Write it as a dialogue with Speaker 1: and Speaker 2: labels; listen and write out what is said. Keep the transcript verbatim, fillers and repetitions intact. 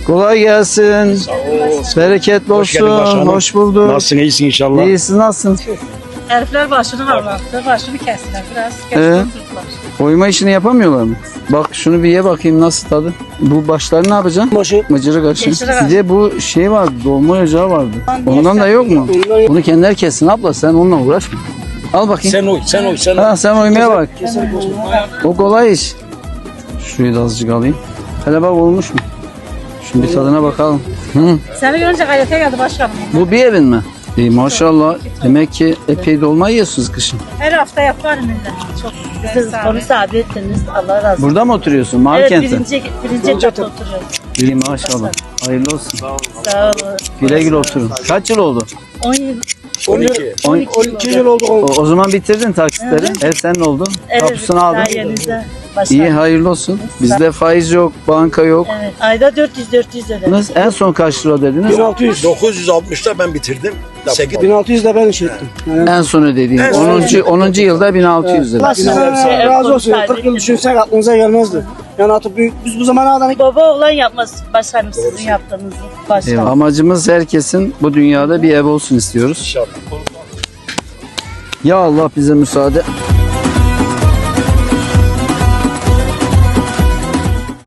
Speaker 1: Kolay gelsin.
Speaker 2: Sağ ol.
Speaker 1: Bereketli
Speaker 2: Hoş geldin
Speaker 1: olsun.
Speaker 2: başkanım.
Speaker 1: Hoş bulduk.
Speaker 2: Nasılsın, iyisin inşallah?
Speaker 1: İyi, siz nasılsınız?
Speaker 3: Herifler başını harlattı, başını kestiler biraz.
Speaker 1: Ee?
Speaker 3: Kestiler, tuttular.
Speaker 1: Oyma işini yapamıyorlar mı? Bak şunu bir ye bakayım nasıl tadı. Bu başları ne yapacaksın?
Speaker 4: Başı.
Speaker 1: Mıcırık açın.
Speaker 3: Mıcırık aç.
Speaker 1: Bir de bu şey var, dolma ocağı vardı.
Speaker 3: Ondan
Speaker 1: Ondan da
Speaker 3: niye
Speaker 1: yok mu?
Speaker 4: Ondan yok.
Speaker 1: Bunu kendileri kessin abla, sen onunla uğraşma. Al bakayım.
Speaker 2: Sen oy, sen oy, sen oy.
Speaker 1: Ha, sen oymaya bak. O kolay iş. Şurayı da azıcık alayım. Hele bak olmuş mu? Şimdi bir tadına bakalım. Hı.
Speaker 3: Seni görünce gayrete geldi başkanım.
Speaker 1: Bu bir evin mi? İyi maşallah. Demek ki epey dolma yiyorsunuz kışın.
Speaker 3: Her hafta yapar millet. Çok
Speaker 5: Siz
Speaker 3: güzel.
Speaker 5: onu sabit ettiniz. Allah razı olsun.
Speaker 1: Burada mı oturuyorsun?
Speaker 5: Evet,
Speaker 1: Markent'te.
Speaker 5: birinci, birinci katta oturuyoruz.
Speaker 1: İyi maşallah. Hayırlı olsun.
Speaker 5: Sağ olun.
Speaker 1: Güle güle oturun. Kaç yıl oldu?
Speaker 5: on yıl.
Speaker 2: on iki.
Speaker 1: On-
Speaker 4: on iki yıl oldu.
Speaker 1: O, o zaman bitirdin taksitleri. Ev senin oldu.
Speaker 5: Evet,
Speaker 1: Kapısını aldın.
Speaker 5: sayenizde başladım.
Speaker 1: İyi hayırlı olsun. Bizde faiz yok, banka yok.
Speaker 5: Evet, ayda dört yüz dört yüz ödedim.
Speaker 1: Nasıl? En son kaç lira dediniz?
Speaker 4: bin altı yüz.
Speaker 2: dokuz yüz altmışta ben bitirdim. sekiz
Speaker 4: bin altı yüz de ben iş ettim. Yani
Speaker 1: En son ödediğin.
Speaker 2: En son
Speaker 1: onuncu. onuncu yılda bin altı yüz lira.
Speaker 4: Allah sizden razı olsun. kırk yıl düşünsek aklınıza gelmezdi. Yani artık büyük, biz bu zamana kadar
Speaker 5: Baba oğlan yapmaz başkanım sizin yaptığınızı. Başkanım.
Speaker 1: Eyvallah. Amacımız herkesin bu dünyada bir ev olsun istiyoruz.
Speaker 2: İnşallah.
Speaker 1: Ya Allah bize müsaade.